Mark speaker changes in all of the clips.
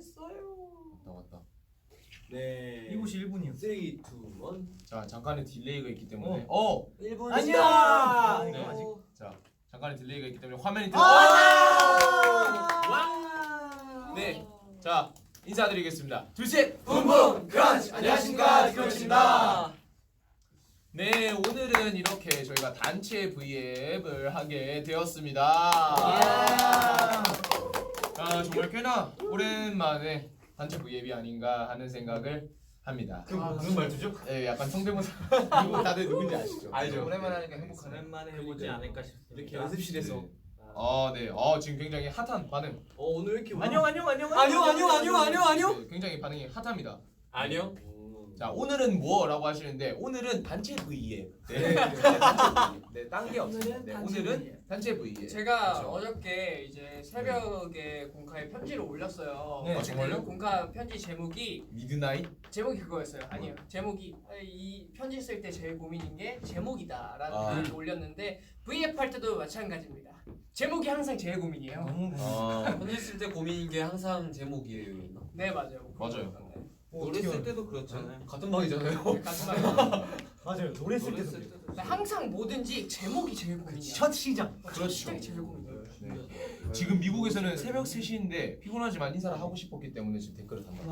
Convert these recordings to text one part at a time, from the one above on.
Speaker 1: 했어요.
Speaker 2: 왔다.
Speaker 1: 네.
Speaker 3: 2시 1분이요.
Speaker 1: 3, 2, 1.
Speaker 2: 자 잠깐의 딜레이가 있기 때문에
Speaker 1: 1분.
Speaker 3: 아니야.
Speaker 2: 네.
Speaker 3: 아직.
Speaker 2: 자 잠깐의 딜레이가 있기 때문에 화면이 네. 자 인사드리겠습니다. 둘셋
Speaker 1: 붐붐 크런치. 안녕하십니까, 디크런치입니다.
Speaker 2: 네 오늘은 이렇게 저희가 단체 V앱을 하게 되었습니다. 정말 꽤나 오랜만에 단체 V앱이 아닌가 하는 생각을 합니다.
Speaker 1: 무슨 말투죠?
Speaker 2: 네, 약간 성대모사 이거 다들 누군지 아시죠?
Speaker 1: 알죠.
Speaker 4: 오랜만에 하니까 행복하네.
Speaker 3: 오랜만에 해보지 않을까 싶습니다.
Speaker 1: 이렇게 연습실에서.
Speaker 2: 네. 지금 굉장히 핫한 반응.
Speaker 1: 오늘 왜 이렇게
Speaker 3: 안녕.
Speaker 2: 네, 굉장히 반응이 핫합니다.
Speaker 1: 안녕.
Speaker 2: 자 오늘은 뭐라고 하시는데 오늘은 단체 V앱.
Speaker 1: 네.
Speaker 2: 네, 딴 게 없습니다. 네, 오늘은 단체 V앱.
Speaker 4: 제가
Speaker 2: 그렇죠.
Speaker 4: 어저께 이제 새벽에 공카에 편지를 올렸어요.
Speaker 2: 네. 정말요?
Speaker 4: 그 공카 편지 제목이
Speaker 2: 미드나잇?
Speaker 4: 그거였어요. 아니요. 제목이 이 편지 쓸 때 제일 고민인 게 제목이다라는
Speaker 2: 아.
Speaker 4: 글을 올렸는데 V앱 할 때도 마찬가지입니다. 제목이 항상 제일 고민이에요.
Speaker 1: 편지 쓸 때 고민인 게 항상 제목이에요.
Speaker 4: 네 맞아요.
Speaker 2: 맞아요.
Speaker 4: 네.
Speaker 1: 노래 쓸 때도 그렇잖아요. 같은 방이잖아요.
Speaker 4: 같은 말이에요.
Speaker 3: 맞아요. 노래 쓸 때도
Speaker 1: 노래
Speaker 3: 그래요.
Speaker 4: 근데 항상 뭐든지 제목이 제일 고민이야.
Speaker 3: 첫 시작.
Speaker 2: 그렇죠.
Speaker 4: 시작이 제일 고민이에요.
Speaker 2: 네. 지금 미국에서는 새벽 3시인데 피곤하지만 인사를 하고 싶었기 때문에 지금 댓글을 단다.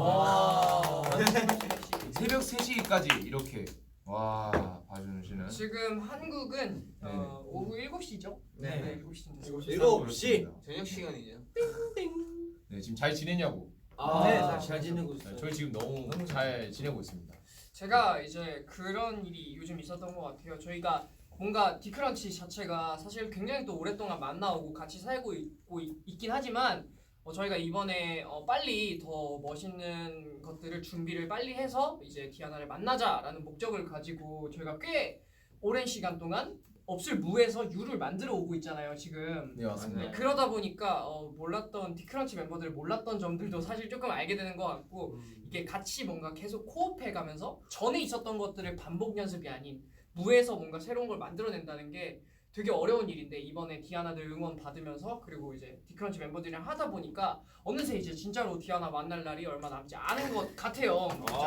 Speaker 2: 새벽 3시까지 이렇게 와 봐주시는.
Speaker 4: 지금 한국은
Speaker 2: 네.
Speaker 4: 오후 7시죠?
Speaker 3: 네.
Speaker 4: 7시인데
Speaker 1: 7시.
Speaker 5: 저녁 시간이죠.
Speaker 2: 네 지금 잘 지내냐고.
Speaker 3: 네,
Speaker 1: 잘 지내고 있어요.
Speaker 2: 저희 지금 너무 잘 지내고 있습니다.
Speaker 4: 제가 이제 그런 일이 요즘 있었던 것 같아요. 저희가 뭔가 디크런치 자체가 사실 굉장히 또 오랫동안 만나오고 같이 살고 있긴 하지만 저희가 이번에 빨리 더 멋있는 것들을 준비를 빨리 해서 이제 디아나를 만나자라는 목적을 가지고 저희가 꽤 오랜 시간 동안 없을 무에서 유를 만들어 오고 있잖아요 지금.
Speaker 2: 네 맞습니다.
Speaker 4: 네, 그러다 보니까 몰랐던 디크런치 멤버들 몰랐던 점들도 사실 조금 알게 되는 것 같고 이게 같이 뭔가 계속 코업해가면서 전에 있었던 것들을 반복 연습이 아닌 무에서 뭔가 새로운 걸 만들어낸다는 게 되게 어려운 일인데 이번에 디아나들 응원 받으면서 그리고 이제 디크런치 멤버들이랑 하다 보니까 어느새 이제 진짜로 디아나 만날 날이 얼마 남지 않은 것 같아요.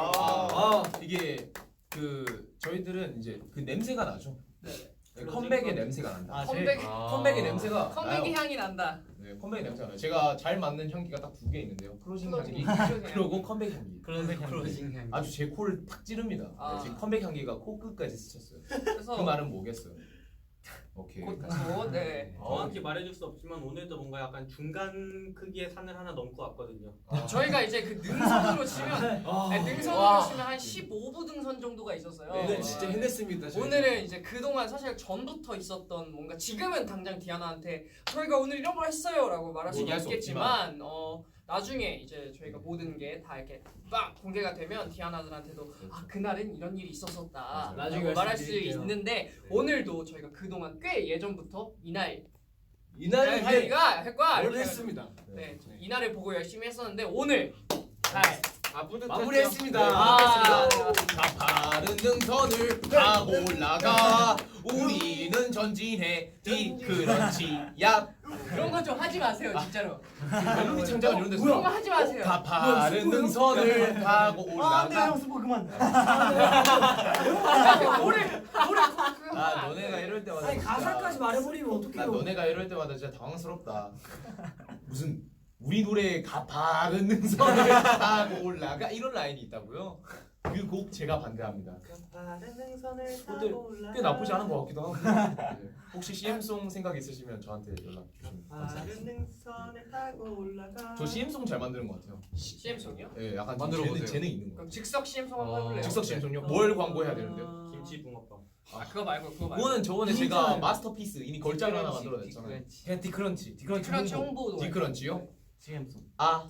Speaker 2: 이게 저희들은 이제 그 냄새가 나죠.
Speaker 4: 네.
Speaker 2: 네, 컴백의 냄새가 난다. 컴백의 냄새가
Speaker 4: 컴백의
Speaker 2: 나요.
Speaker 4: 향이 난다.
Speaker 2: 네, 컴백의 냄새가 나요. 제가 잘 맞는 향기가 딱 2개 있는데요. 클로징 향기 그리고 컴백 향기.
Speaker 5: 클로징 향.
Speaker 2: 아주 제 코를 탁 찌릅니다.
Speaker 4: 아.
Speaker 2: 네, 지금 컴백 향기가 코 끝까지 스쳤어요.
Speaker 4: 그래서
Speaker 2: 그 말은 뭐겠어요? 오케이.
Speaker 4: 네.
Speaker 6: 정확히 말해줄 수 없지만 오늘도 뭔가 약간 중간 크기의 산을 하나 넘고 왔거든요.
Speaker 4: 저희가 이제 그 능선으로 치면 능선으로 치면 한 15부 등선 정도가 있었어요.
Speaker 1: 네, 진짜 해냈습니다. 저희.
Speaker 4: 오늘은 이제 그동안 사실 전부터 있었던 뭔가 지금은 당장 디아나한테 저희가 오늘 이런 걸 했어요라고 말할 수는
Speaker 2: 얘기할 수
Speaker 4: 없겠지만 나중에 이제 저희가 모든 게 다 이렇게 막 공개가 되면 디아나들한테도 그날은 이런 일이 있었었다
Speaker 1: 나중에
Speaker 4: 라고 말할 수
Speaker 1: 말씀드릴게요.
Speaker 4: 있는데 오늘도 저희가 그동안 꽤 예전부터
Speaker 1: 이날은
Speaker 4: 저희가 했과
Speaker 1: 뭘
Speaker 4: 이렇게
Speaker 1: 했습니다.
Speaker 4: 네, 이날을 보고 열심히 했었는데 오늘 잘
Speaker 1: 마무리했습니다.
Speaker 2: 가파른 능선을 타고 올라가 우리는 전진해 디크런치 야
Speaker 4: 그런 거 좀 하지 마세요 진짜로.
Speaker 2: 멜로디 창작은 이런 데서
Speaker 4: 그런 거 하지 마세요.
Speaker 2: 가파른 능선을 타고 올라가
Speaker 3: 스포 그만.
Speaker 4: 노래
Speaker 2: 너네가 이럴 때마다
Speaker 3: 아니
Speaker 2: 진짜
Speaker 3: 가사까지 말해버리면
Speaker 2: 나
Speaker 3: 어떡해요?
Speaker 2: 너네가 이럴 때마다 진짜 당황스럽다. 무슨 우리 노래에 가파른 능선을 타고 올라가 이런 라인이 있다고요? 그 곡 제가 반대합니다. 그것도 꽤 나쁘지 않은 것 같기도 하고. 네. 혹시 CM송 생각 있으시면 저한테 연락 주시면 감사하겠습니다. 저 CM송 잘 만드는 것 같아요.
Speaker 4: CM송이요?
Speaker 2: 예, 약간
Speaker 1: 만들어 보세요.
Speaker 2: 재능 있는 거.
Speaker 4: 그럼 즉석 CM송 한번 해볼래요?
Speaker 2: 즉석 CM송요? 뭘 광고해야 되는데요?
Speaker 6: 김치 붕어빵.
Speaker 4: 그거 말고
Speaker 2: 그거는 저번에 제가 마스터피스 이미 걸작을 하나 만들어냈잖아요.
Speaker 3: 디크런치
Speaker 4: 디크런치 홍보도
Speaker 2: 디크런치요?
Speaker 3: CM송.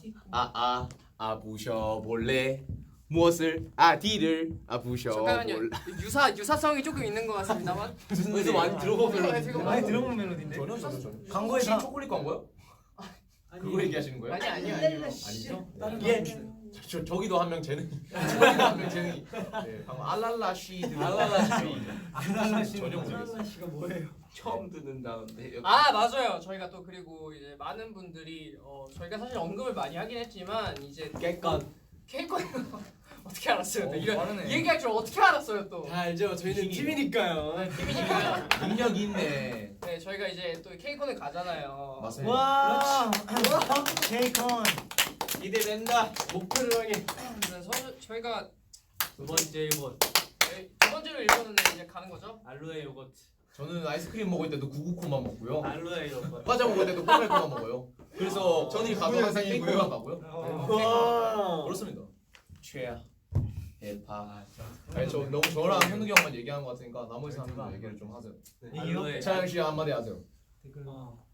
Speaker 2: 부셔볼래? 무엇을? 디를 부셔볼래?
Speaker 4: 잠깐만요. 유사성이 조금 있는 것 같습니다만.
Speaker 2: 무슨
Speaker 1: 어디서 많이 들어본
Speaker 4: 멜로디.
Speaker 3: 많이 들어본 멜로디인데.
Speaker 2: 전혀.
Speaker 3: 광고에서
Speaker 2: 혹시 초콜릿 광고요? 그거 얘기하시는 거예요?
Speaker 4: 아니요.
Speaker 2: 아니죠?
Speaker 3: 예.
Speaker 2: 저기도 한 명 재능이. 저기도 한 명 재능이. 네, 방금 알랄라쉬
Speaker 3: 알랄라쉬.
Speaker 2: 전혀 모르겠어요.
Speaker 3: 씨가 뭐예요?
Speaker 5: 처음 듣는다는데.
Speaker 4: 아 맞아요. 저희가 또 그리고 이제 많은 분들이 저희가 사실 언급을 많이 하긴 했지만 이제
Speaker 5: 객관.
Speaker 4: 케이콘 어떻게 알았어요? 또 이런
Speaker 3: 빠르네.
Speaker 4: 이 얘기할 줄 어떻게 알았어요 또?
Speaker 5: 다 알죠. 저희는
Speaker 2: 힘이-
Speaker 5: 팀이니까요.
Speaker 4: 네, 팀이니까.
Speaker 2: 능력 있네.
Speaker 4: 네, 저희가 이제 또 케이콘을 가잖아요.
Speaker 2: 맞습니다.
Speaker 3: 와. 케이콘.
Speaker 5: 기대된다. 목표를 향해.
Speaker 4: 저희가
Speaker 6: 두 번째 1번
Speaker 4: 두 번째로 일본은 이제 가는 거죠?
Speaker 6: 알로에 요거트.
Speaker 2: 저는 아이스크림 먹을 때도 구구콘만 먹고요.
Speaker 6: 알로에 요거트.
Speaker 2: 과자 먹을 때도 코넬코만 먹어요. 그래서 저는 가도 항상
Speaker 5: 상이고요.
Speaker 2: 케이크만 가고요.
Speaker 5: 와.
Speaker 2: 그렇습니다.
Speaker 5: 최야.
Speaker 2: 대파. 아니 저 너무 저랑 현욱이 형만 얘기하는 것 같으니까 나머지 사람들 얘기를 좀 하세요.
Speaker 6: 알로에
Speaker 2: 차영 씨 한마디 하세요.
Speaker 3: 댓글.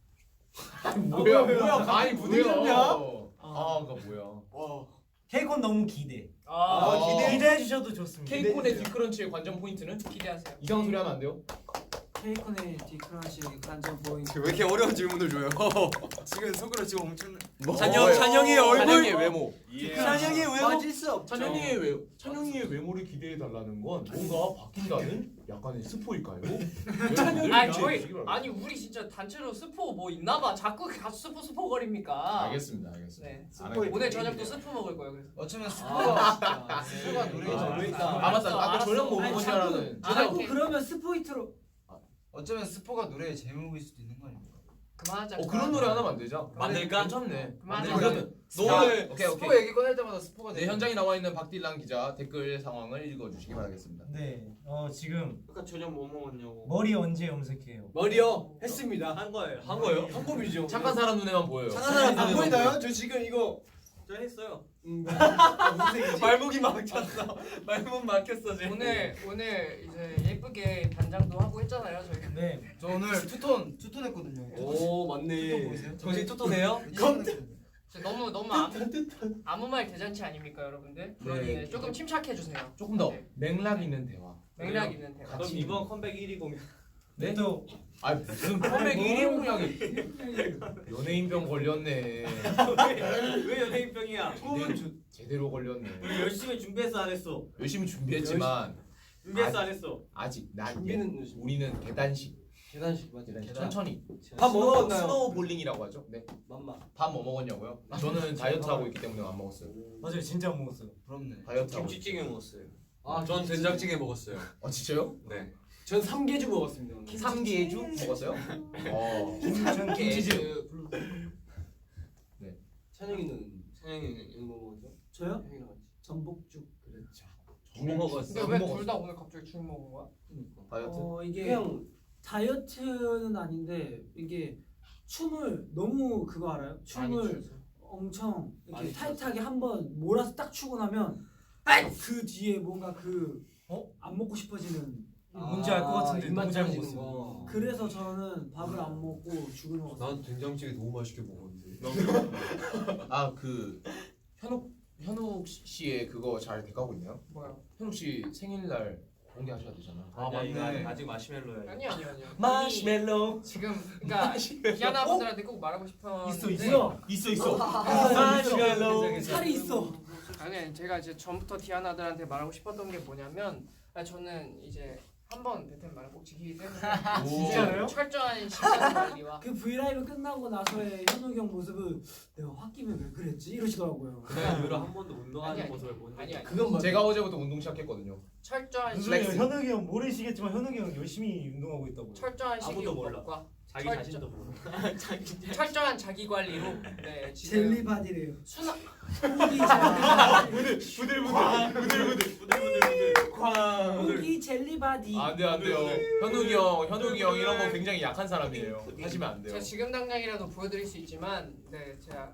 Speaker 2: 뭐야 간이
Speaker 5: 부딪혔냐?
Speaker 2: 아 그거 뭐야?
Speaker 3: 케이콘 너무 기대.
Speaker 2: 기대해
Speaker 3: 주셔도 좋습니다.
Speaker 2: 케이콘의 디크런치의 관전 포인트는
Speaker 4: 기대하세요.
Speaker 2: 이상한 소리 하면 안 돼요.
Speaker 7: 케이콘의 디크런치 관전 포인트.
Speaker 5: 왜 이렇게 어려운 질문을 줘요? 지금 속으로 지금 엄청.
Speaker 2: 찬영이의 얼굴. 찬영이의 외모.
Speaker 5: 찬영이 왜
Speaker 7: 빠질 수 없죠.
Speaker 2: 찬영이의 외모를 기대해 달라는 건 뭔가 바뀐다는 약간의 스포일까요?
Speaker 4: 아니 우리 진짜 단체로 스포 뭐 있나봐. 자꾸 가서 스포거립니까?
Speaker 2: 알겠습니다.
Speaker 4: 네.
Speaker 2: 알겠습니다.
Speaker 4: 오늘 저녁도 스포 먹을 거예요. 그래서.
Speaker 7: 어쩌면 스포가 노래에
Speaker 2: 아,
Speaker 7: 적혀 있다.
Speaker 2: 아 맞다. 아까
Speaker 4: 알았어.
Speaker 2: 저녁 뭐
Speaker 7: 아니,
Speaker 2: 먹은 줄
Speaker 7: 자꾸-
Speaker 2: 알았는.
Speaker 7: 자꾸 그러면 스포이트로. 어쩌면 스포가 노래의 제목일 수도 있는 거 아닙니까?
Speaker 4: 그만하자.
Speaker 2: 그런 노래 하나 만들자.
Speaker 6: 만들까?
Speaker 2: 괜찮네.
Speaker 4: 그만하자.
Speaker 2: 그러면
Speaker 5: 너를
Speaker 2: 오케이.
Speaker 7: 스포 얘기 꺼낼 때마다 스포가
Speaker 2: 네 현장에 나와 있는 박딜랑 기자 댓글 상황을 읽어주시기 바라겠습니다.
Speaker 3: 네. 지금
Speaker 6: 아까 저녁 뭐 먹었냐고.
Speaker 3: 머리 언제 염색해요?
Speaker 5: 머리요. 했습니다.
Speaker 6: 한 거예요.
Speaker 5: 한 거예요? 한 겁이죠.
Speaker 2: 착한 사람 눈에만 보여요.
Speaker 5: 착한 사람 안 보이나요? 저 지금 이거
Speaker 6: 저 했어요.
Speaker 5: 말목이 막혔어. 말목 막혔어 지금.
Speaker 4: 오늘 이제 예쁘게 단장도 하고 했잖아요. 저희가.
Speaker 3: 네.
Speaker 7: 저 오늘 투톤 했거든요.
Speaker 5: 오 맞네.
Speaker 7: 보이세요?
Speaker 5: 정신 뚜뚜네요.
Speaker 4: 진짜 너무 아무 말 대잔치 아닙니까, 여러분들?
Speaker 2: 네.
Speaker 4: 네, 조금 침착해 주세요.
Speaker 2: 조금 더
Speaker 4: 네.
Speaker 2: 맥락 있는 대화.
Speaker 4: 맥락 있는 대화.
Speaker 6: 그럼 이번 컴백 1위 공연.
Speaker 2: 네?
Speaker 3: 또
Speaker 2: 아 무슨 컴백 1위 공약이 연예인병 걸렸네.
Speaker 6: 왜 연예인병이야?
Speaker 2: 제대로 걸렸네.
Speaker 6: 우리 열심히 준비해서 안 했어.
Speaker 2: 열심히 준비했지만
Speaker 6: 준비해서 안 했어.
Speaker 2: 아직
Speaker 5: 준비는
Speaker 2: 우리는 계단식.
Speaker 5: 계단식 맞지?
Speaker 2: 천천히.
Speaker 5: 밥 뭐 먹었나요?
Speaker 2: 스노우 볼링이라고 하죠. 네.
Speaker 5: 맘마.
Speaker 2: 밥 뭐 먹었냐고요? 저는 다이어트 하고 있기 때문에 안 먹었어요.
Speaker 3: 맞아요. 진짜 안 먹었어요.
Speaker 7: 부럽네.
Speaker 2: 다이어트 하고.
Speaker 5: 김치찌개 먹었어요.
Speaker 1: 전 된장찌개 먹었어요.
Speaker 2: 아 진짜요?
Speaker 1: 네.
Speaker 5: 전 삼계주 먹었습니다. 오늘.
Speaker 2: 삼계주 먹었어요?
Speaker 3: 저는 김치즙.
Speaker 5: 찬영이는 이거 뭐 먹었죠?
Speaker 7: 저요?
Speaker 5: 형이랑 같이.
Speaker 7: 전복죽.
Speaker 5: 그렇죠.
Speaker 4: 근데 왜 둘 다 오늘 갑자기 죽 먹은 거야?
Speaker 2: 다이어트.
Speaker 7: 이게
Speaker 5: 그냥
Speaker 7: 다이어트는 아닌데 이게 춤을 너무 그거 알아요? 춤을 엄청 이렇게
Speaker 5: 많이
Speaker 7: 타이트하게 한번 몰아서 딱 추고 나면 그 뒤에 뭔가 안 먹고 싶어지는
Speaker 3: 뭔지 알 것 같은데
Speaker 5: 입맛
Speaker 3: 너무 잘
Speaker 5: 떨어지는
Speaker 3: 먹었어요.
Speaker 5: 거.
Speaker 7: 그래서 저는 밥을 안 먹고 죽을 먹었어요.
Speaker 1: 난 된장찌개 너무 맛있게 먹었는데.
Speaker 2: 아 그 현욱 씨의 그거 잘 돼가고 있나요?
Speaker 4: 뭐야?
Speaker 2: 현욱 씨 생일날 공개하셔야 되잖아.
Speaker 6: 아니야 이거 아직 마시멜로야.
Speaker 4: 아니요.
Speaker 2: 마시멜로.
Speaker 4: 지금 그러니까 기아나 분들한테 꼭 말하고 싶었는데
Speaker 2: 있어.
Speaker 7: 마시멜로. 살이 있어.
Speaker 4: 아니 제가 이제 전부터 디아나들한테 말하고 싶었던 게 뭐냐면 저는 이제 한번 뱉은 말을 꼭 지키기 때문에
Speaker 2: 진짜요?
Speaker 4: 철저한 시간 관리와
Speaker 7: 그 브이라이브 끝나고 나서의 현욱이 형 모습은 내가 홧김에 왜 그랬지? 이러시더라고요.
Speaker 6: 내가 이후로 한 번도 운동하는
Speaker 4: 아니,
Speaker 6: 모습을 본 적이
Speaker 4: 아니
Speaker 5: 그건 맞아.
Speaker 2: 제가 어제부터 운동 시작했거든요.
Speaker 4: 철저한
Speaker 3: 무슨
Speaker 4: 시간
Speaker 2: 플렉스.
Speaker 3: 현욱이 형 모르시겠지만 현욱이 형 열심히 운동하고 있다고요.
Speaker 4: 철저한
Speaker 6: 아무도 몰라.
Speaker 4: 식이요법과
Speaker 6: 자기
Speaker 4: 철저-
Speaker 6: 자신도 모르.
Speaker 4: 철저한 자기 관리로 네 지금
Speaker 7: 젤리 바디래요.
Speaker 4: 순화
Speaker 7: 고기 젤리
Speaker 6: 부들부들.
Speaker 7: 고기 젤리 바디.
Speaker 2: 안 돼요. 현욱이 형 이런 거 굉장히 약한 사람이에요. 하시면 안 돼요.
Speaker 4: 제가 지금 당장이라도 보여드릴 수 있지만 네 제가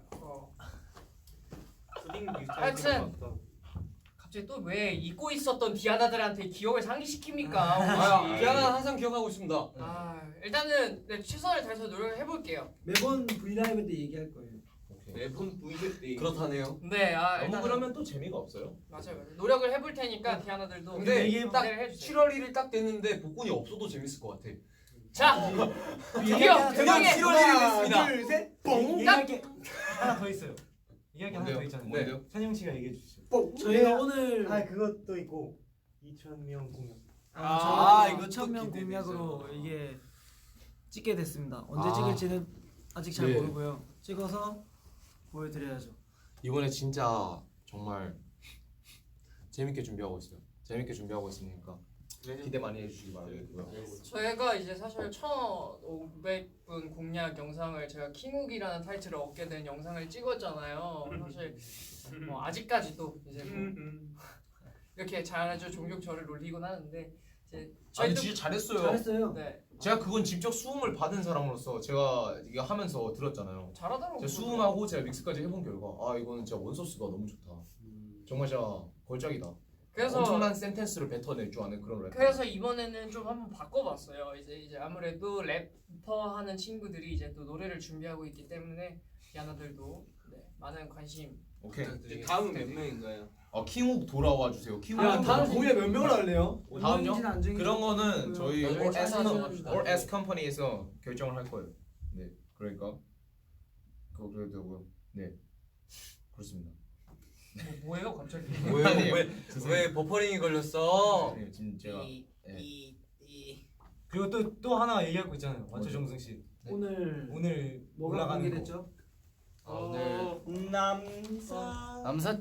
Speaker 6: 푸딩
Speaker 4: 하여튼. 갑자기 또 왜 잊고 있었던 디아나들한테 기억을 상기시킵니까?
Speaker 1: 디아나 항상 기억하고 있습니다.
Speaker 4: 일단은 네, 최선을 다해서 노력을 해볼게요.
Speaker 7: 매번 브이라이브 때 얘기할 거예요.
Speaker 2: 오케이.
Speaker 5: 매번 보이실 때.
Speaker 1: 그렇다네요.
Speaker 4: 네,
Speaker 2: 너무
Speaker 4: 일단은
Speaker 2: 그러면 또 재미가 없어요.
Speaker 4: 맞아요. 노력을 해볼 테니까 디아나들도
Speaker 1: 근데
Speaker 4: 기대를
Speaker 1: 딱
Speaker 4: 해주세요.
Speaker 1: 7월 1일 딱 됐는데 복권이 없어도 재밌을 것 같아.
Speaker 4: 자, 드디어 대망의
Speaker 1: 7월 1일이 됐습니다.
Speaker 2: 둘셋
Speaker 3: 얘기할 게 하나 더 있어요. 얘기할 게 하나
Speaker 2: 뭔데요?
Speaker 3: 더 있잖아요.
Speaker 2: 뭔데요?
Speaker 3: 찬영 씨가 얘기해 주시죠.
Speaker 7: 저희가 오늘
Speaker 3: 그것도 있고 2,000명 공연.
Speaker 5: 이거
Speaker 7: 2,000명 공약으로 이게 찍게 됐습니다. 언제 찍을지는 아직 잘
Speaker 5: 네.
Speaker 7: 모르고요. 찍어서 보여드려야죠.
Speaker 5: 이번에 진짜 정말 재밌게 준비하고 있어요. 재밌게 준비하고 있으니까
Speaker 2: 기대 많이 해주시기 바라고요.
Speaker 4: 저희가 이제 사실 1,500분 공략 영상을 제가 킹욱이라는 타이틀을 얻게 된 영상을 찍었잖아요. 사실 뭐 아직까지도 이제 뭐 이렇게 잘하죠. 종종 저를 놀리곤 하는데 이제
Speaker 2: 아니
Speaker 4: 저희도
Speaker 2: 진짜 잘했어요.
Speaker 7: 잘했어요.
Speaker 4: 네
Speaker 2: 제가 그건 직접 수음을 받은 사람으로서 제가 이게 하면서 들었잖아요.
Speaker 4: 잘하더라고요.
Speaker 2: 제가 수음하고 제가 믹스까지 해본 결과 이거는 진짜 원소스가 너무 좋다. 정말 진짜 걸작이다.
Speaker 4: 그래서
Speaker 2: 엄청난 센텐스를 뱉어낼 줄 아는 그런 랩.
Speaker 4: 그래서 이번에는 좀 한번 바꿔봤어요. 이제 아무래도 래퍼 하는 친구들이 이제 또 노래를 준비하고 있기 때문에 야나들도 네, 많은 관심
Speaker 2: 오케이.
Speaker 5: 다음은 몇 명인가요?
Speaker 2: 킹욱 돌아와 주세요. 킹욱.
Speaker 3: 공연 몇 명을 할래요?
Speaker 2: 다음요?
Speaker 7: 안 정해진
Speaker 2: 그런 거는 저희
Speaker 4: 나중에 찾아서 합시다.
Speaker 2: All S 컴퍼니에서 결정을 할 거예요. 네, 그러니까 그거고요. 네, 그렇습니다.
Speaker 4: 뭐예요 갑자기?
Speaker 2: 아니에요.
Speaker 1: 왜 버퍼링이 걸렸어?
Speaker 2: 네, 지금 제가
Speaker 3: 그리고 또 하나 얘기할 거 있잖아요. 완초 정승 씨. 오늘
Speaker 7: 뭐가
Speaker 3: 올라가는 거.
Speaker 7: 공개됐죠?
Speaker 1: 오늘
Speaker 5: 남사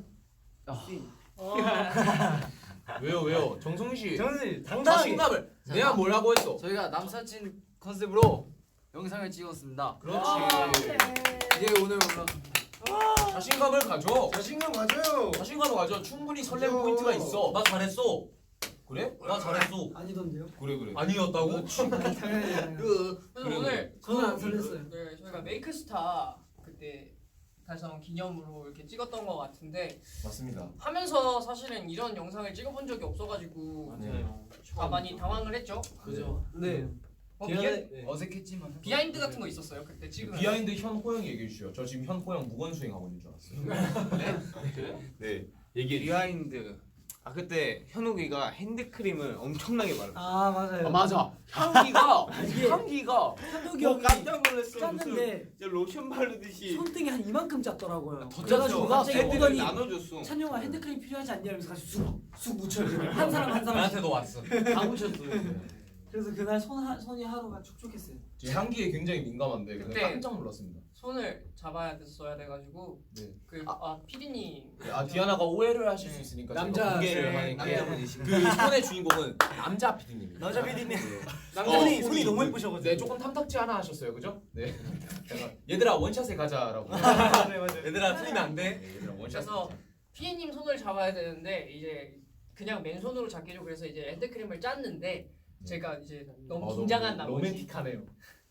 Speaker 2: 왜요? 정성 씨
Speaker 3: 정승 씨 당당하게.
Speaker 2: 자신감을 내가 뭐라고 했어?
Speaker 5: 저희가 남사친 컨셉으로 영상을 찍었습니다.
Speaker 2: 그렇지.
Speaker 5: 이게 오늘 올라
Speaker 2: 자신감을 가져.
Speaker 3: 자신감 가져요.
Speaker 2: 자신감을 가져. 충분히 설렘 포인트가 있어.
Speaker 1: 나 잘했어.
Speaker 2: 그래?
Speaker 1: 나 잘했어.
Speaker 7: 아니던데요?
Speaker 2: 그래.
Speaker 1: 아니었다고?
Speaker 7: 당연히
Speaker 4: 그래서
Speaker 2: 그래,
Speaker 4: 오늘
Speaker 7: 저는 안 설렜어요.
Speaker 4: 네, 저희가 메이크스타 그때 달성 기념으로 이렇게 찍었던 것 같은데
Speaker 2: 맞습니다.
Speaker 4: 하면서 사실은 이런 영상을 찍어본 적이 없어가지고 다 많이 당황을 했죠.
Speaker 5: 그죠?
Speaker 3: 네.
Speaker 5: 어색했지만
Speaker 4: 비하인드 같은 거 있었어요 그때 찍으면.
Speaker 2: 비하인드 현호영 얘기해 주시죠. 저 지금 현호영 무건 수행하고 있는 줄 알았어요.
Speaker 5: 네 얘기 비하인드. 그때 현욱이가 핸드크림을 엄청나게 바르고.
Speaker 7: 맞아요.
Speaker 5: 맞아. 향기가
Speaker 7: 이게
Speaker 5: 향기가
Speaker 7: 현욱이 형이
Speaker 5: 놀랐어.
Speaker 7: 짰는데
Speaker 5: 진짜 로션 바르듯이
Speaker 7: 손등이 한 이만큼 짰더라고요.
Speaker 5: 더
Speaker 7: 그래가지고 갑자기
Speaker 5: 애들이
Speaker 7: 오더니
Speaker 5: 나눠줬어.
Speaker 7: 찬영아 핸드크림 필요하지 않냐 이러면서 같이 쑥 묻혀요. 그냥. 한 사람 한 사람씩
Speaker 1: 나한테도 왔어.
Speaker 7: 다 묻혔어. 그래서 그날 손이 하루가 촉촉했어요.
Speaker 2: 제 향기에 굉장히 민감한데 그냥
Speaker 4: 네.
Speaker 2: 깜짝 놀랐습니다.
Speaker 4: 손을 잡아야 됐어야 돼가지고
Speaker 2: 네.
Speaker 4: 피디님
Speaker 2: 디아나가 오해를 하실 수 있으니까 제가 공개를 하니까 그 손의 주인공은 남자 PD님입니다.
Speaker 3: 남자 PD님.
Speaker 2: 남자
Speaker 3: 손이 너무 예쁘셔가지고.
Speaker 2: 네, 조금 탐탁지 하나 하셨어요, 그죠? 네. 잠깐, 얘들아 원샷에 가자라고.
Speaker 3: 맞아요.
Speaker 1: 얘들아 틀리면 안 돼.
Speaker 2: 네, 얘들아 원샷.
Speaker 4: 그래서 피디님 손을 잡아야 되는데 이제 그냥 맨손으로 잡기로 그래서 이제 핸드크림을 짰는데 제가 이제 너무 긴장한 나머지
Speaker 2: 로맨틱하네요.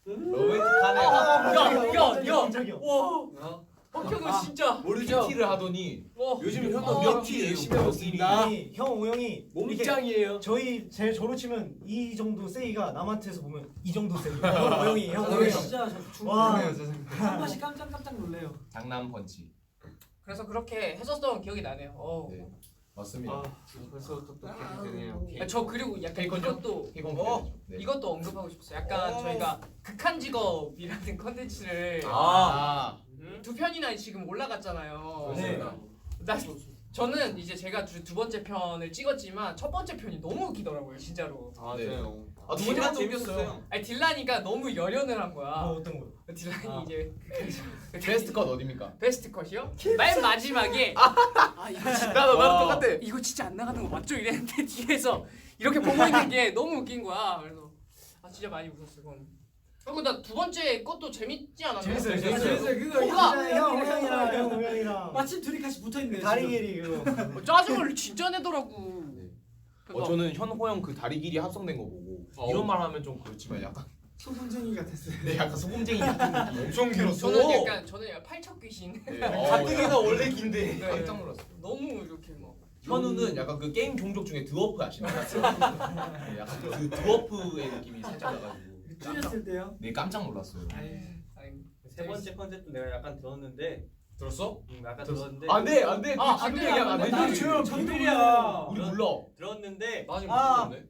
Speaker 2: 로맨틱하네요.
Speaker 4: 야야야
Speaker 2: 와,
Speaker 4: 박형은 진짜
Speaker 2: 모르죠? PT를 하더니
Speaker 4: 와
Speaker 2: 요즘
Speaker 4: 아,
Speaker 2: 몇 T 열심히 하고 있습니다.
Speaker 3: 형 오영이
Speaker 5: 몸짱이에요.
Speaker 3: 저희 제 저로 치면 이 정도 세이가 남한테서 보면 이 정도 세이. 오영이 형
Speaker 7: 저는
Speaker 3: 오영이.
Speaker 7: 진짜
Speaker 3: 와.
Speaker 7: 한 번씩 깜짝 놀래요.
Speaker 2: 장남 펀치.
Speaker 4: 그래서 그렇게 했었던 기억이 나네요.
Speaker 2: 네, 맞습니다.
Speaker 5: 벌써 똑똑해지네요.
Speaker 4: 저 그리고 약간
Speaker 2: 케이콘
Speaker 4: 이것도
Speaker 2: 케이콘 네.
Speaker 4: 이것도 언급하고 싶었어요. 약간 저희가 극한 직업이라는 컨텐츠를 두 편이나 지금 올라갔잖아요.
Speaker 3: 네.
Speaker 4: 저는 이제 제가 두 번째 편을 찍었지만 첫 번째 편이 너무 웃기더라고요, 진짜로.
Speaker 5: 맞아요.
Speaker 2: 두 번째가 재밌었어요.
Speaker 4: 아니 딜라니가 너무 열연을 한 거야.
Speaker 3: 어떤 거?
Speaker 4: 딜라니 이제
Speaker 2: 베스트 컷 어디입니까?
Speaker 4: 베스트 컷이요? 맨 마지막에 이거 진짜
Speaker 2: 나도 똑같아.
Speaker 4: 이거 진짜 안 나가는 거 맞죠? 이랬는데 뒤에서 이렇게 보고 있는 게 너무 웃긴 거야. 그래서 진짜 많이 웃었어 그건. 그리고 나 두 번째 것도 재밌지 않았나요?
Speaker 3: 재밌어요.
Speaker 7: 그거
Speaker 3: 형 오영이랑
Speaker 7: 마침 둘이 같이 붙어 있네요.
Speaker 3: 다리 길이 그거.
Speaker 4: 짜증을 진짜 내더라고. 그래서
Speaker 2: 저는 현호영 그 다리 길이 합성된 거 보고 이런 말 하면 좀 그렇지만 약간
Speaker 7: 소금쟁이 같았어요.
Speaker 2: 네, 약간 소금쟁이 같은 느낌.
Speaker 1: 엄청 길었어.
Speaker 4: 저는 약간 팔척 귀신.
Speaker 2: 네,
Speaker 1: 가뜩이나 원래 긴데.
Speaker 4: 네.
Speaker 2: 깜짝 놀랐어요.
Speaker 4: 너무 이렇게 막.
Speaker 2: 현우는 약간 그 게임 종족 중에 드워프 아시나요? 네, 약간 그 드워프의 느낌이 살짝 나가지고
Speaker 7: 찔렸을 때요.
Speaker 2: 네 깜짝 놀랐어요.
Speaker 4: 아니,
Speaker 6: 세 번째 컨셉도 내가 약간 들었는데
Speaker 2: 들었어?
Speaker 6: 약간 들었는데
Speaker 2: 안돼 안돼
Speaker 4: 안
Speaker 2: 지금
Speaker 4: 돼,
Speaker 2: 얘기하면
Speaker 4: 안 돼.
Speaker 2: 안돼.
Speaker 3: 조용 비밀이야.
Speaker 2: 우리 몰라.
Speaker 6: 들었는데
Speaker 1: 나 지금
Speaker 3: 아.
Speaker 1: 모르겠네.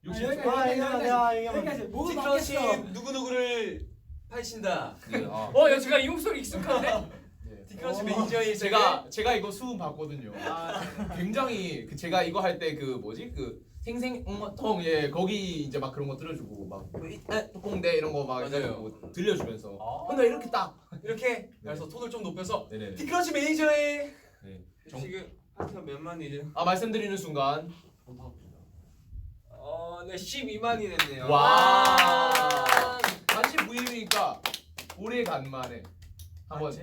Speaker 7: 여기까지 뭐가
Speaker 1: 티크러치
Speaker 7: 바뀌었어?
Speaker 1: 누구누구를 파신다.
Speaker 4: 야 제가 이 목소리 익숙한데?
Speaker 1: 티크러치 매니저의
Speaker 2: 제가 이거 수음 봤거든요. 굉장히 제가 이거 할 때 그 뭐지 그 생생통 예 거기 이제 막 그런 거 들려주고 막 뚜껑대 이런 거 막
Speaker 1: 맞아요.
Speaker 2: 들려주면서 근데 이렇게 딱
Speaker 1: 이렇게 그래서 톤을 좀 높여서
Speaker 2: 네네.
Speaker 1: 티크러치 매니저의
Speaker 6: 지금 파트가 몇 만이죠?
Speaker 2: 말씀드리는 순간
Speaker 6: 네 12만이 됐네요.
Speaker 2: 와 39일이니까 올해 간만에 한번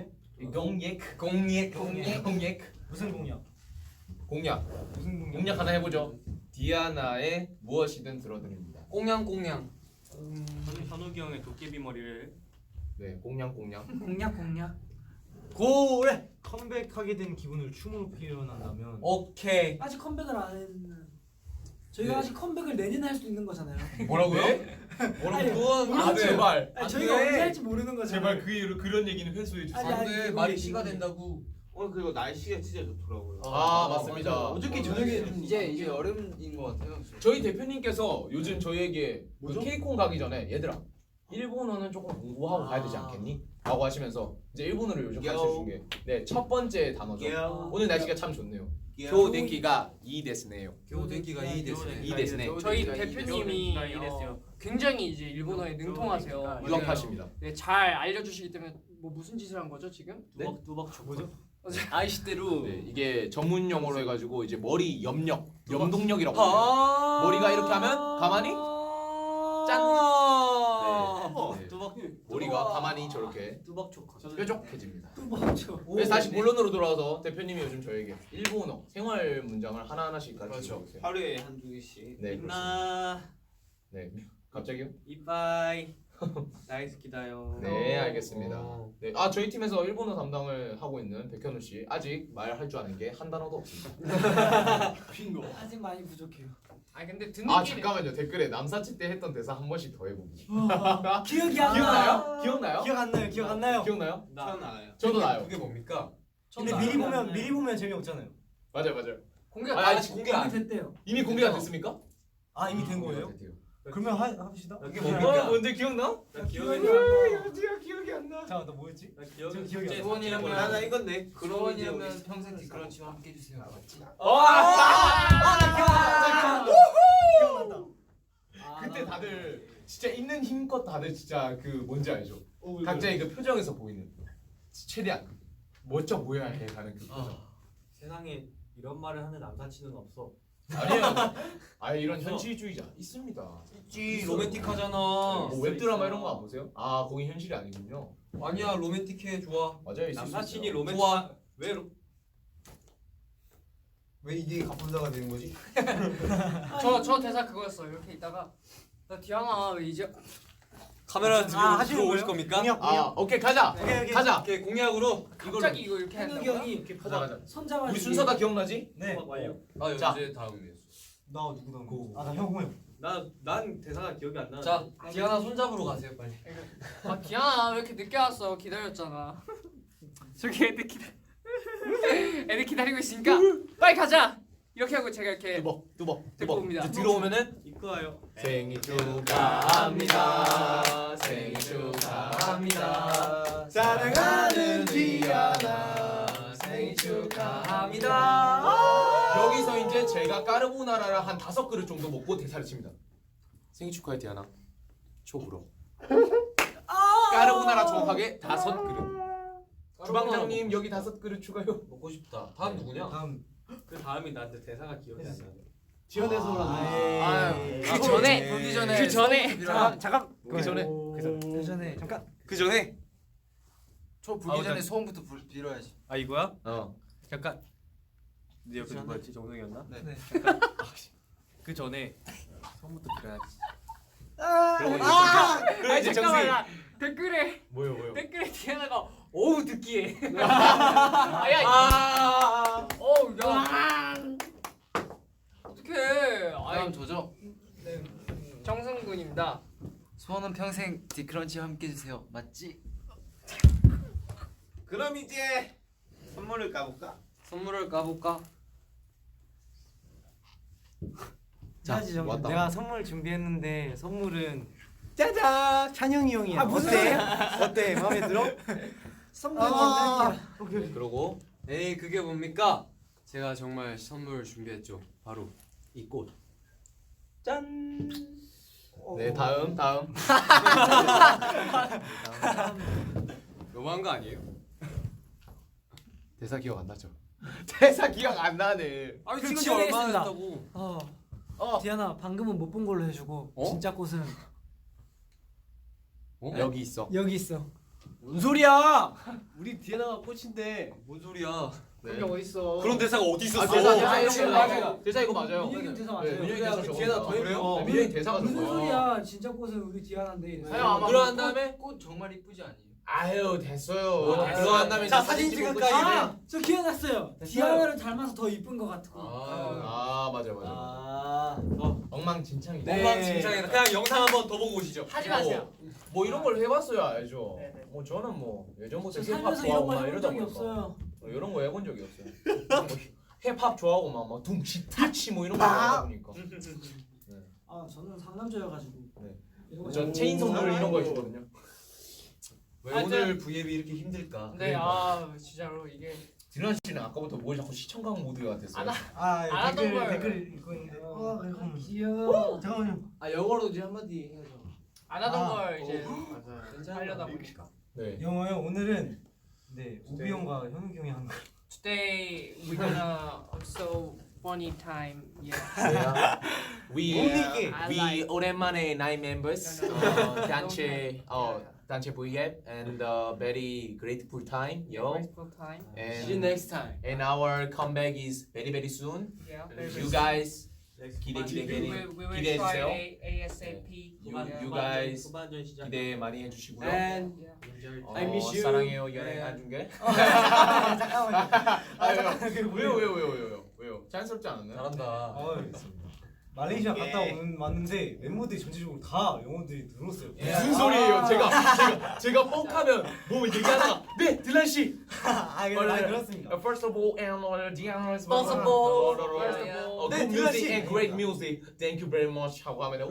Speaker 2: 공약
Speaker 3: 무슨 공약?
Speaker 2: 공약
Speaker 3: 무슨 공약?
Speaker 2: 공약 하나 해보죠. 디아나의 무엇이든 들어드립니다.
Speaker 1: 꽁냥꽁냥.
Speaker 6: 저는 현욱이 형의 도깨비 머리를
Speaker 2: 네 공약
Speaker 7: 공략.
Speaker 3: 고래 컴백하게 된 기분을 춤으로 표현한다면
Speaker 1: 오케이.
Speaker 7: 아직 컴백을 안 했는. 저희가
Speaker 2: 네.
Speaker 7: 아직 컴백을 내년에 할 수도 있는 거잖아요.
Speaker 2: 뭐라고요?
Speaker 7: 아니,
Speaker 2: 아 제발
Speaker 7: 아니, 저희가
Speaker 1: 돼.
Speaker 7: 언제 할지 모르는 거잖아요.
Speaker 2: 그런 얘기는 회수해 주세요.
Speaker 7: 아니,
Speaker 1: 안돼
Speaker 7: 이거
Speaker 1: 말이
Speaker 7: 이거
Speaker 1: 씨가
Speaker 7: 이거.
Speaker 1: 된다고.
Speaker 6: 오늘 그리고 날씨가 진짜 좋더라고요.
Speaker 2: 맞습니다.
Speaker 1: 어저께 저녁에 좀 이제 여름인 것 같아요.
Speaker 2: 저희 대표님께서 요즘 저희에게 그 케이콘 가기 전에 얘들아 일본어는 조금 공부하고 가야 되지 않겠니? 라고 하시면서 이제 일본어를 요즘 가르쳐 주신 게첫 번째 단어죠. 오늘 날씨가 참 좋네요. 교denki가 이 데스네요.
Speaker 1: 교대기가 이 됐어요.
Speaker 2: 이 데스네.
Speaker 4: 저희 대표님이
Speaker 6: 이 됐어요.
Speaker 4: 굉장히 이제 일본어에 능통하세요.
Speaker 2: 유학파십니다.
Speaker 4: 네, 잘 알려주시기 때문에 뭐 무슨 짓을 한 거죠 지금?
Speaker 6: 두벅
Speaker 3: 뭐죠?
Speaker 1: 아이시대로.
Speaker 2: 네, 이게 전문 용어로 해가지고 이제 머리 염동력이라고
Speaker 1: 아.
Speaker 2: 해요. 머리가 이렇게 하면 가만히 짠. 네.
Speaker 1: 두벅.
Speaker 2: 머리가 가만히 저렇게
Speaker 6: 두벅 초코.
Speaker 2: 뾰족해집니다.
Speaker 7: 또 뭐죠?
Speaker 2: 그래서 다시 본론으로 돌아와서 대표님이 요즘 저에게 일본어 생활 문장을 하나하나씩 가르쳐 주세요.
Speaker 6: 하루에 한두 개씩.
Speaker 2: 네,
Speaker 6: 나
Speaker 2: 네, 갑자기요?
Speaker 6: 이빠이. 나이스키다요.
Speaker 2: 네, 알겠습니다. 네, 저희 팀에서 일본어 담당을 하고 있는 백현우 씨 아직 말할 줄 아는 게 한 단어도 없습니다.
Speaker 6: 빙고.
Speaker 7: 아직 많이 부족해요.
Speaker 4: 아 근데 듣는 길이
Speaker 2: 잠깐만요. 댓글에 남사치 때 했던 대사 한 번씩 더 해보기.
Speaker 7: 기억이 안 나.
Speaker 2: 기억나요? 기억나요?
Speaker 3: 기억 안 나요. 기억 안 나요.
Speaker 2: 기억나요?
Speaker 6: 저는 알아요.
Speaker 2: 저도 나요.
Speaker 1: 그게 뭡니까?
Speaker 3: 근데 미리 보면 재미없잖아요.
Speaker 2: 맞아요.
Speaker 4: 공개가
Speaker 2: 아니,
Speaker 1: 아직 공개 안.
Speaker 7: 됐대요.
Speaker 2: 이미 공개가 됐습니까?
Speaker 3: 이미 된 거예요? 그러면 합시다.
Speaker 1: 그게 뭡니까?
Speaker 2: 뭔데 기억나?
Speaker 6: 나 기억이 안
Speaker 2: 어디가 기억이 안 나.
Speaker 3: 잠깐 너 뭐였지?
Speaker 6: 나 기억이
Speaker 3: 지금 기억이 안 나.
Speaker 1: 소원이라면
Speaker 6: 나 이건데.
Speaker 1: 소원이라면 평생 티크런치와 함께 해주세요. 알았지?
Speaker 3: 기억난다.
Speaker 2: 그때 다들 진짜 있는 힘껏 다들 진짜 그 뭔지 알죠? 각자의 그 표정에서 보이는 최대한 멋져 보여야 해 가는 그 표정.
Speaker 6: 세상에 이런 말을 하는 남사친은 없어.
Speaker 2: 아니요. 이런 현실주의자 있습니다.
Speaker 1: 있지 로맨틱하잖아.
Speaker 2: 뭐 웹드라마 이런 거 안 보세요? 거기 현실이 아니군요.
Speaker 1: 아니야 로맨틱해 좋아.
Speaker 2: 맞아요. 있을 수
Speaker 6: 남사친이
Speaker 2: 있어요.
Speaker 6: 로맨틱.
Speaker 1: 좋아.
Speaker 6: 왜
Speaker 1: 이게 갑분다가 되는 거지?
Speaker 4: 저 대사 그거였어요. 이렇게 있다가 나 디아나 왜 이제
Speaker 1: 카메라 들고
Speaker 3: 하시는
Speaker 1: 들어오실
Speaker 3: 거예요?
Speaker 1: 겁니까?
Speaker 3: 공약.
Speaker 2: 오케이 가자.
Speaker 3: 오케이.
Speaker 2: 가자.
Speaker 1: 오케이 공약으로
Speaker 4: 갑자기 이거 이렇게
Speaker 7: 현욱이
Speaker 4: 한다고요?
Speaker 7: 형이
Speaker 2: 이렇게 가자.
Speaker 7: 손잡아.
Speaker 2: 우리 순서 다 기억나지?
Speaker 3: 네.
Speaker 6: 완료.
Speaker 2: 자.
Speaker 1: 이제 다음이네요.
Speaker 3: 나 누구 다음? 나 형호.
Speaker 6: 난 대사가 기억이 안 나.
Speaker 1: 자 디아나 손잡으러 가세요 빨리.
Speaker 4: 디아나 왜 이렇게 늦게 왔어? 기다렸잖아. 저기 애들 기다리고 있으니까 빨리 가자. 이렇게 하고 제가 이렇게
Speaker 2: 뚜벅.
Speaker 4: 데리고 옵니다.
Speaker 2: 이제 들어오면은
Speaker 6: 입고 와요.
Speaker 2: 생일 축하합니다. 생일 축하합니다. 사랑하는 디아나 생일 축하합니다. 여기서 이제 제가 까르보나라를 한 5그릇 정도 먹고 대사를 칩니다. 생일 축하해 디아나. 초불어. 까르보나라 정확하게 5그릇. 주방장님 여기 5그릇 추가요.
Speaker 1: 먹고 싶다. 다음 누구냐?
Speaker 3: 다음
Speaker 6: 그 다음이 나한테 대사가 기억이 안 나.
Speaker 3: 지원해서
Speaker 4: 그 전에
Speaker 1: 보기
Speaker 4: 그 전에
Speaker 3: 잠깐
Speaker 2: 그 전에
Speaker 3: 그 전에 잠깐
Speaker 1: 그 전에
Speaker 8: 초 불기 전에 소원부터 빌어야지.
Speaker 6: 아 이거야?
Speaker 2: 어.
Speaker 6: 잠깐. 네 옆에 누구였지? 정석이었나?
Speaker 8: 네.
Speaker 6: 그 전에 처음부터 빌어야지.
Speaker 2: 그럼 이제
Speaker 4: 잠깐만
Speaker 2: 정승이
Speaker 4: 나 댓글에
Speaker 2: 뭐요?
Speaker 4: 디아나가 어우 듣기에 아야 어우 야 어떡해
Speaker 8: 다음 저죠.
Speaker 4: 정승군입니다.
Speaker 8: 소원은 평생 디크런치와 함께 해주세요. 맞지?
Speaker 6: 그럼 이제 선물을 까볼까?
Speaker 8: 선물을 까볼까?
Speaker 5: 자,
Speaker 3: 해야지, 정준.
Speaker 5: 왔다.
Speaker 3: 내가 선물 준비했는데 선물은 짜잔 찬영이 형이야.
Speaker 7: 아, 무슨
Speaker 3: 어때? 어때? 마음에 들어?
Speaker 7: 선물
Speaker 5: 그러고
Speaker 1: 에이 그게 뭡니까? 제가 정말 선물 준비했죠. 바로 이 꽃.
Speaker 6: 짠.
Speaker 2: 네 다음
Speaker 1: 너무한 거 아니에요?
Speaker 5: 대사 기억 안 나죠? 대사 기억 안 나네.
Speaker 1: 아니
Speaker 7: 그럼
Speaker 1: 찍은 지 얼마나
Speaker 7: 지원하겠습니다.
Speaker 1: 됐다고?
Speaker 7: 디아나 방금은 못 본 걸로 해주고
Speaker 5: 어?
Speaker 7: 진짜 꽃은
Speaker 5: 여기 있어.
Speaker 7: 여기 있어.
Speaker 5: 뭔 소리야? 우리 디에나가 꽃인데.
Speaker 1: 뭔 소리야?
Speaker 2: 네.
Speaker 7: 어딨어?
Speaker 1: 그런 대사가 어디
Speaker 2: 아,
Speaker 1: 있었어?
Speaker 2: 대사 이거 맞아요.
Speaker 7: 민혁이 대사
Speaker 2: 네,
Speaker 7: 맞아요.
Speaker 2: 민혁이 대사
Speaker 5: 디에나
Speaker 2: 적은
Speaker 5: 더
Speaker 2: 거야.
Speaker 5: 예뻐요.
Speaker 2: 민혁이 대사가
Speaker 7: 무슨
Speaker 2: 적은 거야.
Speaker 7: 소리야? 진짜 꽃은 우리 디아나인데.
Speaker 2: 사연 아마
Speaker 1: 그러한 다음에 꽃 정말 이쁘지 않니?
Speaker 2: 아유 됐어요.
Speaker 1: 아,
Speaker 2: 그거 한 다음에
Speaker 1: 자,
Speaker 2: 이제
Speaker 1: 사진
Speaker 2: 찍고
Speaker 1: 찍을까요?
Speaker 2: 끝이네.
Speaker 7: 아, 저 기억났어요. 디아나를 닮아서 더 이쁜 것 같고.
Speaker 2: 아 맞아. 엉망진창이다.
Speaker 1: 엉망진창이다. 그냥 영상 한번 더 보고 오시죠.
Speaker 4: 하지 마세요.
Speaker 2: 뭐 이런 걸 해봤어야 알죠.
Speaker 4: 네네.
Speaker 2: 뭐 저는 뭐 예전부터
Speaker 7: 저
Speaker 2: 힙합
Speaker 7: 살면서 이런
Speaker 2: 좋아하고
Speaker 7: 거
Speaker 2: 막
Speaker 7: 해본
Speaker 2: 이러다
Speaker 7: 적이
Speaker 2: 보니까
Speaker 7: 없어요.
Speaker 2: 이런 거 해본 적이 없어요. 뭐 힙합 좋아하고 막 둥치 타치 뭐 이런 거 하다 보니까.
Speaker 7: 아 저는 상남자여가지고.
Speaker 2: 네.
Speaker 7: 이런 거
Speaker 2: 전
Speaker 7: 잘
Speaker 2: 체인
Speaker 7: 모르고.
Speaker 2: 선물 이런 거 해주거든요.
Speaker 1: 왜
Speaker 4: 하여튼-
Speaker 1: 오늘 V앱이 이렇게 힘들까?
Speaker 4: 네, 아 진짜로 이게
Speaker 2: 디란 씨는 아까부터 뭘 자꾸 시청각 모드 같았어요.
Speaker 4: 안 하던 걸.
Speaker 3: 댓글 읽고 있는데. 잠깐만요.
Speaker 7: 귀여워.
Speaker 3: 잠깐만요.
Speaker 5: 아 영어로 이제 한마디 해야죠.
Speaker 4: 안 하던
Speaker 3: 아.
Speaker 4: 걸 이제
Speaker 5: 맞아요.
Speaker 4: 하려다 보니까.
Speaker 2: 네.
Speaker 3: 영어요. 오늘은 네 우비 형과 현욱이 형이 한 거.
Speaker 4: Today we're gonna also funny time. Yeah.
Speaker 2: We 오랜만에 nine members 단체 단체 V앱 and very grateful time, yo.
Speaker 4: Grateful time.
Speaker 5: See you
Speaker 2: And
Speaker 5: next time.
Speaker 2: our comeback is very soon.
Speaker 4: Yeah.
Speaker 2: You guys 기대
Speaker 4: we will
Speaker 2: 기대해
Speaker 4: try
Speaker 2: 주세요.
Speaker 4: ASAP.
Speaker 2: You guys
Speaker 6: 후반전 시작.
Speaker 2: 기대 많이 해주시고요.
Speaker 5: And
Speaker 4: Yeah.
Speaker 5: I miss you.
Speaker 2: 사랑해요 연애 한중계. 왜요? 자연스럽지 않았나요?
Speaker 1: 잘한다.
Speaker 3: 말레이시아 갔다 왔는데 멤버들이 전체적으로 다 영어들이 늘었어요.
Speaker 2: 무슨 소리예요? 제가 뻑하면 뭐 얘기하다가 네 딜란 씨.
Speaker 3: 그렇습니다.
Speaker 2: First of all, and Diana is
Speaker 4: First of all, first of all.
Speaker 2: good music and great music. Thank you very much. 하고 하면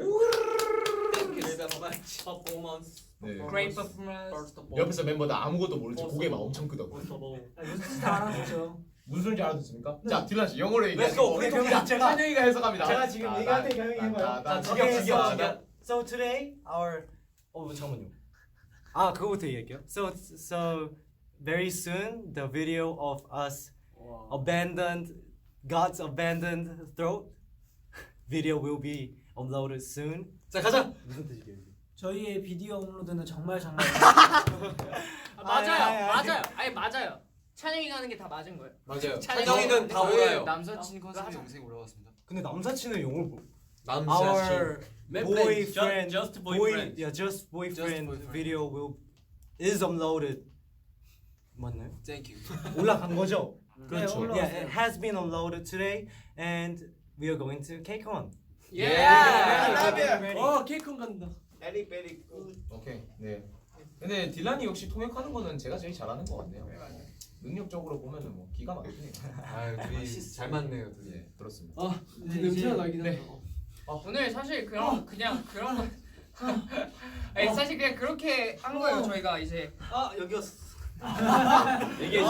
Speaker 6: 퍼포먼스.
Speaker 2: 네.
Speaker 4: Great performance.
Speaker 2: 옆에서 멤버들 아무것도 모르지 고개만 엄청 끄덕.
Speaker 7: 무슨 뜻인지 알아듣죠.
Speaker 2: 무슨 소리인지 알아듣습니까? 자 딜란 씨 영어로
Speaker 1: Let's
Speaker 2: 얘기하시고
Speaker 1: go. 우리 동작.
Speaker 2: 찬영이가 해석합니다.
Speaker 3: 제가 지금 얘기할 때 형이 해봐요.
Speaker 2: 자,
Speaker 3: 직역. So today our 잠깐만요. 그거부터 얘기할게요. So very soon the video of us God's abandoned throat video will be uploaded soon.
Speaker 1: 자 가자.
Speaker 3: 무슨 뜻이게요?
Speaker 7: 저희의 비디오 업로드는 정말
Speaker 4: 맞아요. 아니 맞아요. 찬영이가 하는 게 다 맞은 거예요.
Speaker 1: 맞아요.
Speaker 4: 찬영이는
Speaker 1: 찬영이는 다 몰라요.
Speaker 8: 남사친 컨셉 영상이 올라갔습니다.
Speaker 3: 근데 남사친은 영어를 뭐?
Speaker 1: 남자친.
Speaker 3: Our boyfriend,
Speaker 6: just boyfriend.
Speaker 3: just boyfriend
Speaker 8: boyfriend.
Speaker 3: video is uploaded. 맞나요?
Speaker 8: Thank you.
Speaker 3: 올라간 거죠?
Speaker 7: 그렇죠.
Speaker 3: Yeah, it has been uploaded today, and we are going to KCON.
Speaker 5: 케이콘 간다.
Speaker 2: 오케이. 네. 근데 딜란이 역시 통역하는 거는 제가 제일 잘하는 것 같네요. 능력적으로 보면은 뭐 기가 막히네요.
Speaker 1: 아 둘이 잘 맞네요. 둘이.
Speaker 2: 예, 그렇습니다.
Speaker 5: 냄새가 나긴
Speaker 2: 네.
Speaker 5: 한다.
Speaker 4: 오늘 사실 그냥 그런 거. 아니 사실 그냥 그렇게 한 거예요. 저희가 이제
Speaker 6: 여기였어.
Speaker 2: 얘기해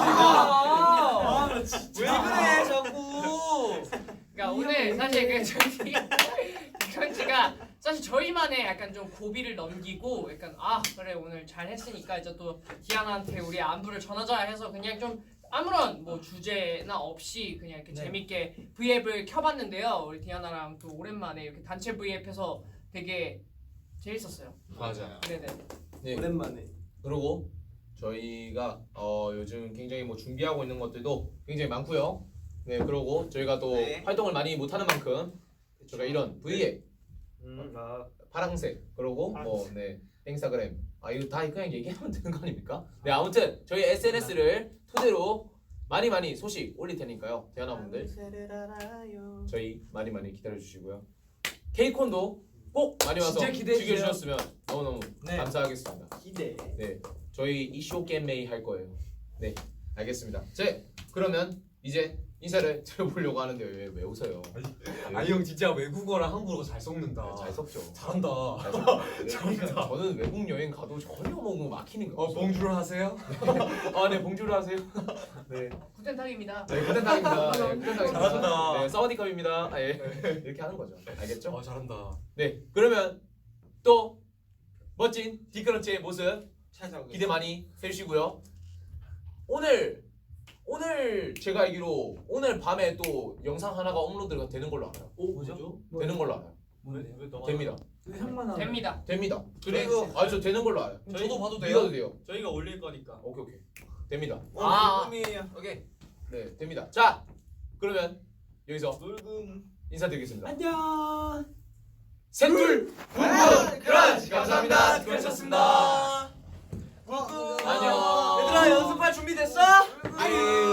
Speaker 1: 왜 그래 자꾸?
Speaker 4: 그러니까 오늘 사실 그 전지가 사실 저희만의 약간 좀 고비를 넘기고 약간 그래 오늘 잘 했으니까 이제 또 디아나한테 우리 안부를 전하자 해서 그냥 좀 아무런 뭐 주제나 없이 그냥 이렇게 재밌게 V앱을 켜봤는데요. 우리 디아나랑 또 오랜만에 이렇게 단체 V앱해서 되게 재밌었어요.
Speaker 1: 맞아.
Speaker 4: 네네.
Speaker 2: 네.
Speaker 3: 오랜만에.
Speaker 2: 그리고 저희가 요즘 굉장히 뭐 준비하고 있는 것들도 굉장히 많고요. 네, 그리고 저희가 또 활동을 많이 못하는 만큼 저희가 이런 V앱 파랑색 그리고 네 인스타그램 이거 다 그냥 얘기하면 되는 거 아닙니까? 네 아무튼 저희 SNS를 토대로 많이 소식 올릴 테니까요. 대한아분들 저희 많이 기다려 주시고요. 케이콘도 꼭 많이 와서
Speaker 5: 진짜 기대해 주세요.
Speaker 2: 즐겨주셨으면 너무너무 감사하겠습니다.
Speaker 6: 기대.
Speaker 2: 네 저희 이쇼 게임메이 할 거예요. 네 알겠습니다. 그러면 이제 인사를 드려보려고 하는데 왜 웃어요?
Speaker 5: 아니 형 진짜 외국어랑 한국어 잘 섞는다.
Speaker 2: 네, 잘 섞죠.
Speaker 5: 잘한다.
Speaker 2: 잘한다. 저는 외국 여행 가도 전혀 뭐 막히는 거 없어요.
Speaker 5: 봉주를 하세요?
Speaker 2: 네, 봉주를 하세요. 네.
Speaker 4: 구텐탁입니다.
Speaker 2: 네, 쿠텐당입니다. 네, 쿠텐당입니다.
Speaker 5: 잘한다.
Speaker 2: 네, 사와디캅입니다. 예. 이렇게 하는 거죠. 알겠죠?
Speaker 5: 잘한다.
Speaker 2: 네, 그러면 또 멋진 디크런치의 모습
Speaker 6: 찾아오겠습니다.
Speaker 2: 기대 많이 해주시고요. 오늘 제가 알기로 오늘 밤에 또 영상 하나가 업로드가 되는 걸로 알아요.
Speaker 6: 뭐죠?
Speaker 2: 되는 걸로 알아요.
Speaker 6: 왜 너가
Speaker 2: 됩니다.
Speaker 7: 의상만 하면
Speaker 4: 됩니다.
Speaker 2: 됩니다.
Speaker 6: 그리고
Speaker 2: 저 되는 걸로 알아요.
Speaker 6: 저도
Speaker 5: 봐도
Speaker 2: 믿어도 돼요.
Speaker 6: 저희가 올릴 거니까.
Speaker 2: 오케이. 됩니다.
Speaker 6: 꿈이에요.
Speaker 5: 오케이.
Speaker 2: 네, 됩니다. 자, 그러면 여기서
Speaker 6: 놀금.
Speaker 2: 인사드리겠습니다.
Speaker 7: 안녕.
Speaker 2: 셋둘 붕붕 크런치 감사합니다. 수고하셨습니다. 안녕.
Speaker 3: 얘들아 연습할 준비 됐어?
Speaker 2: 아예.